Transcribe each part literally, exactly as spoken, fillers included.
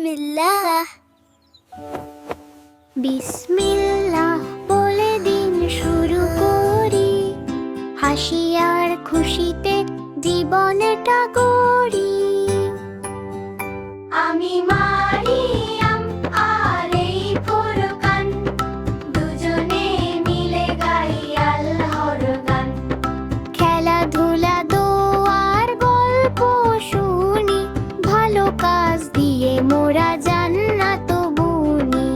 বিসমিল্লাহ বিসমিল্লাহ বলে দিন শুরু করি, হাসি আর খুশিতে জীবনটা গড়ি। আমি মারিয়াম আর এই ফুরকান, দুজনে মিলে গাই আল্লাহর গান। খেলাধুলা দোয়ার গল্প শুনি, ভালো কাজ দিয়ে মোরা জান্নাত বুনি।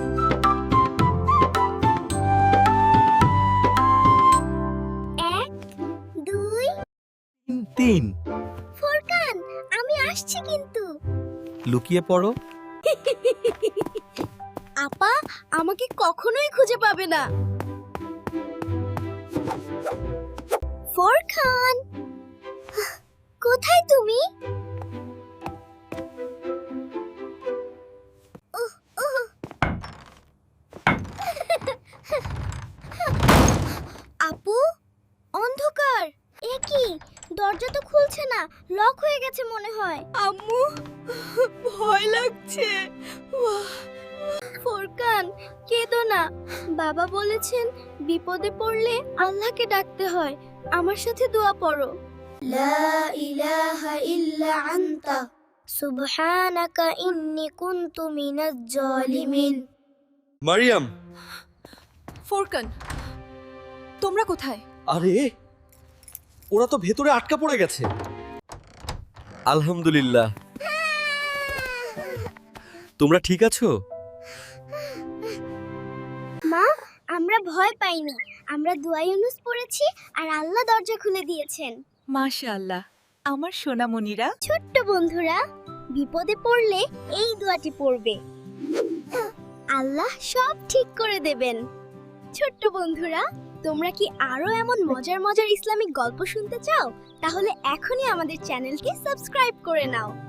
এক দুই তিন। ফুরকান, আমি আসছি কিন্তু। লুকিয়ে পড়ো। আপা আমাকে কখনোই খুঁজে পাবে না। ফুরকান, কোথায় তুমি? উহ, উহ। আপু, অন্ধকার। এ কি, দরজা তো খুলছে না, লক হয়ে গেছে মনে হয়। আম্মু, ভয় লাগছে। ফুরকান, কেঁদো না। বাবা বলেছেন বিপদে পড়লে আল্লাহকে ডাকতে হয়। আমার সাথে দোয়া পড়ো। লা ইলাহা ইল্লা আনতা সুবহানাকা ইন্নী কুনতু মিনাজ জালিমিন। মারিয়াম, ফোরকান, তোমরা কোথায়? আরে ওরা তো ভেতরে আটকা পড়ে গেছে। আলহামদুলিল্লাহ, তোমরা ঠিক আছো? মা, আমরা ভয় পাইনি। আমরা দোয়া ইউনুস পড়েছি আর আল্লাহ দরজা খুলে দিয়েছেন। মাশাআল্লাহ, আমার সোনামণিরা। ছোট্ট বন্ধুরা, বিপদে পড়লে এই দোয়াটি পড়বে, আল্লাহ সব ঠিক করে দেবেন। ছোট্ট বন্ধুরা, তোমরা কি আরো এমন মজার মজার ইসলামিক গল্প শুনতে চাও? তাহলে এখনই আমাদের চ্যানেলকে সাবস্ক্রাইব করে নাও।